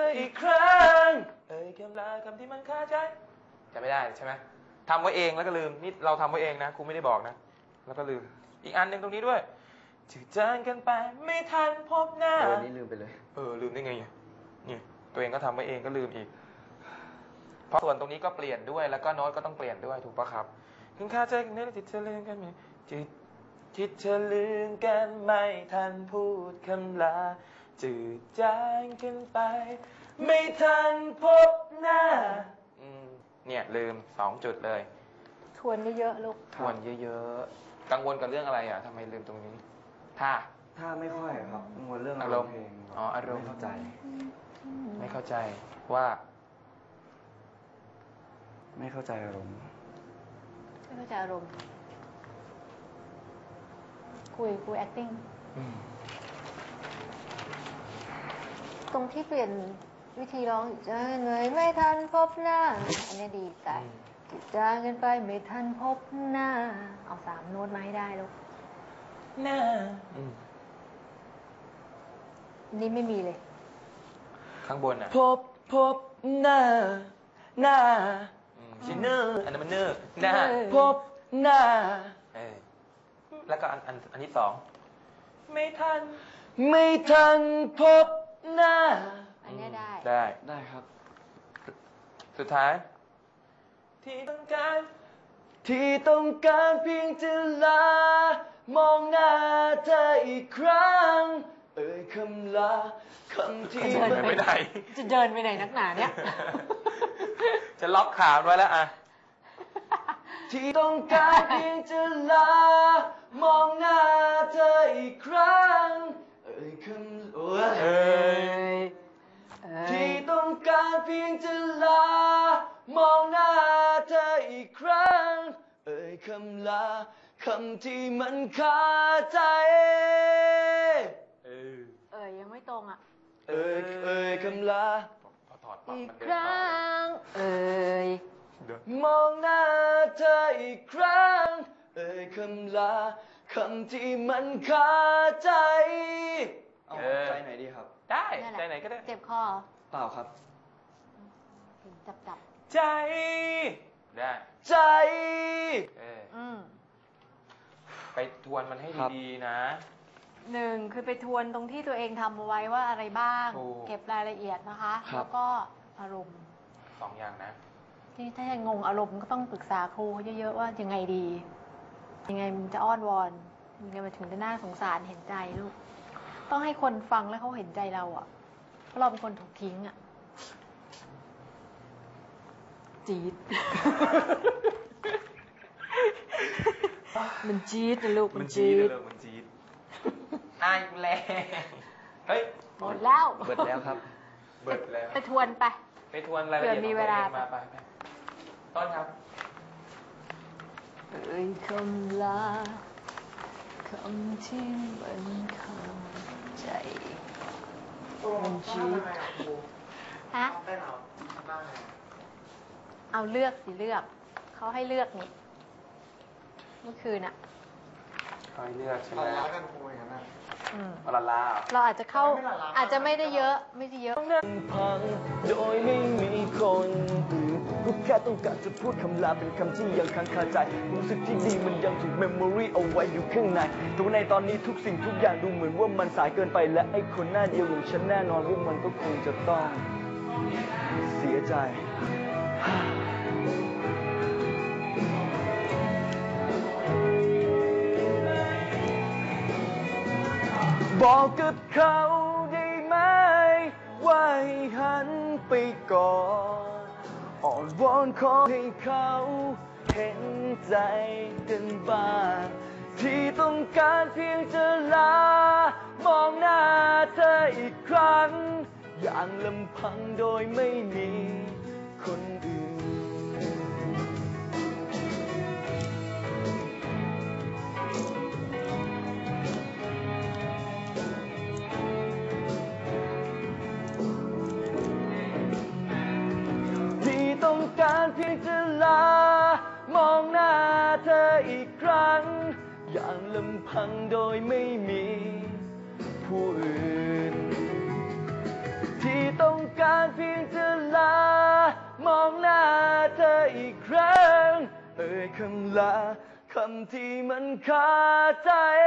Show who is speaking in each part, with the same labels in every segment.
Speaker 1: อีกครั้งคำลาคำที่มันคาใจจำไม่ได้ใช่ไหมทำไว้เองแล้วก็ลืมนี่เราทำไว้เองนะครูไม่ได้บอกนะแล้วก็ลืมอีกอันหนึ่งตรงนี้ด้วยจืดจางกันไปไม่ทันพบหน้า
Speaker 2: วันนี้ลืมไปเลย
Speaker 1: ลืมได้ไงเนี่ยตัวเองก็ทำไว้เองก็ลืมอีกเพราะส่วนตรงนี้ก็เปลี่ยนด้วยแล้วก็โน้ตก็ต้องเปลี่ยนด้วยถูกปะครับถึงคาใจกันเนี่ยจิตเธอลืมกันไหมจิตเธอลืมกันไม่ทันพูดคำลาจืดจางกันไปไม่ทันพบหน้าเนี่ยลืม2 จุดเลย
Speaker 3: ทวนเยอะๆลูก
Speaker 1: ทวนเยอะๆกังวลกับเรื่องอะไรอ่ะทำไมลืมตรงนี้
Speaker 2: ถ้าไม่ค่อยครับกังวลเรื่อง
Speaker 1: อารมณ์อารมณ์
Speaker 2: ไม่เข้าใจ
Speaker 1: ว่า
Speaker 2: ไม่เข้าใจอารมณ์
Speaker 3: คุย acting ตรงที่เปลี่ยนวิธีร้องจะเหนื่อยไม่ทันพบหน้าอันนี้ดีแต่จิตจางกันไปไม่ทันพบหน้าเอา3 โน้ตมาให้ได้ลูก
Speaker 1: หน้า
Speaker 3: นี่ไม่มีเลย
Speaker 1: ข้างบนอ่ะ
Speaker 2: พบหน้า
Speaker 1: ชิเนอร์อันนั้นมันเนอร์หน้า
Speaker 2: พบหน้า
Speaker 1: แล้วก็อันที่2ไม่
Speaker 2: ทันพบหน้า
Speaker 3: อันนี้
Speaker 1: ได้
Speaker 2: ครับ
Speaker 1: สุดท้ายที่ต้องการ
Speaker 2: เพียงจะลามองหน้าเธออีกครั้งคำลาคำที่
Speaker 1: ไม่ได้
Speaker 3: จะเดินไปไหนนักหนาเนี่ย
Speaker 1: จะล็อกขาไว้แล้วอ่ะ
Speaker 2: ที่ต้องการเพียงจะลามองหน้าเธออีกครั้งที่ต้องการเพียงจะลามองหน้าเธออีกครั้งคำลาคำที่มันคาใจ
Speaker 3: ยังไม่ตรงอ่ะ
Speaker 2: คำลา
Speaker 3: อีกครั้ง
Speaker 2: มองหน้าเธออีกครั้งคำลาคำที่มันคาใจใจไหนดีครับ
Speaker 1: ได้ใจไหนก็ได้
Speaker 3: เจ็บคอ
Speaker 2: เปล่าครับ
Speaker 3: จับ
Speaker 1: ใจได้
Speaker 2: ใจ
Speaker 1: ไปทวนมันให้ดีๆนะ
Speaker 3: 1คือไปทวนตรงที่ตัวเองทำเอาไว้ว่าอะไรบ้างเก็บรายละเอียดนะคะแล้วก็อารมณ์
Speaker 1: 2 อย่างนะ
Speaker 3: ที่ถ้ายังงงอารมณ์ก็ต้องปรึกษาครูเยอะๆว่ายังไงดียังไงมันจะอ้อนวอนยังไงมันถึงจะน่าสงสารเห็นใจลูกต้องให้คนฟังแล้วเขาเห็นใจเราอ่ะเพราะเราเป็นคนถูกทิ้งอ่ะจี๊ดมันจี๊ดนะลูก
Speaker 1: มันจี๊ดอ้ายแรงเฮ้ย
Speaker 3: หมดแล้ว
Speaker 2: ครับ
Speaker 3: ไปทวน
Speaker 1: ไปทวนรายละเอียด
Speaker 3: มีเวลา
Speaker 1: ไปต้นครับ
Speaker 3: คำลาคำที่มันคาใจมันจี๊ดเอาเลือกเขาให้เลือกนี่เมื่อคืนอ่ะ
Speaker 1: เขาให้เลือกใช่ไหม
Speaker 2: ลากันครูอย่างนั้น
Speaker 1: เรา
Speaker 3: อาจจะเข้าอาจจะไม่ได้เยอะ
Speaker 2: พังโดยไม่มีคนอื่นกูแค่ต้องการจะพูดคำลาเป็นคำที่ยังค้างคาใจรู้สึกที่ดีมันยังถูกเมมโมรีเอาไว้อยู่ข้างในแต่ในตอนนี้ทุกสิ่งทุกอย่างดูเหมือนว่ามันสายเกินไปและไอ้คนหน้าเดียวของฉันแน่นอนว่ามันก็คงจะต้องเสียใจบอกกับเขาได้ไหมว่าให้หันไปก่อนอ่อนวอนขอให้เขาเห็นใจกันบ้างที่ต้องการเพียงจะลามองหน้าเธออีกครั้งอย่างลำพังโดยไม่มีคนอื่นการเพียงจะลามองหน้าเธออีกครั้งอย่างลำพังโดยไม่มีผู้อื่นที่ต้องการมองหน้าเธออีกครั้งเอ่ยคำลาคำที่มันคาใจ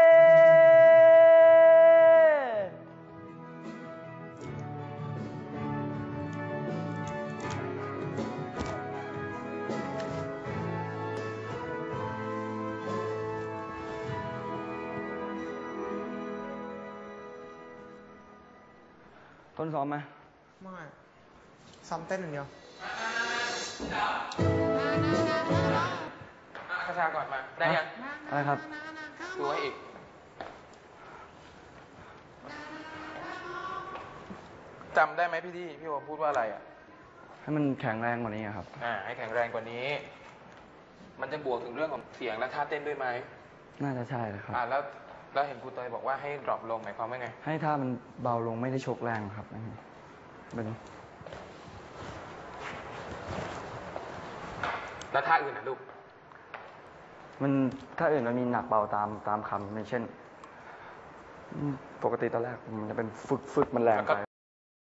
Speaker 2: ต้นซ้อมไหม
Speaker 4: ไม่ซ้อมเต้นอย่างเดียว
Speaker 1: กระชาก่อนมา ได้ยัง
Speaker 2: อะไรครับ
Speaker 1: ดูให้อีก จำได้ไหมพี่โอมพูดว่าอะไรอ่ะ
Speaker 2: ให้มันแข็งแรงกว่านี้อะครับ
Speaker 1: ให้แข็งแรงกว่านี้ มันจะบวกถึงเรื่องของเสียงและท่าเต้นด้วยไหม
Speaker 2: น่าจะใช่เลยครับ
Speaker 1: แล้วเห็นครูเตยบอกว่าให้ดรอปลงหมายความว่าไง
Speaker 2: ให้ท่ามันเบาลงไม่ได้ชกแรงครับเป็น
Speaker 1: แล้วท่าอื่นนะลูก
Speaker 2: มันถ้าอื่นมันมีหนักเบาตามคำอย่างเช่น ปกติตอนแรกมันจะเป็นฝึกมันแรงไป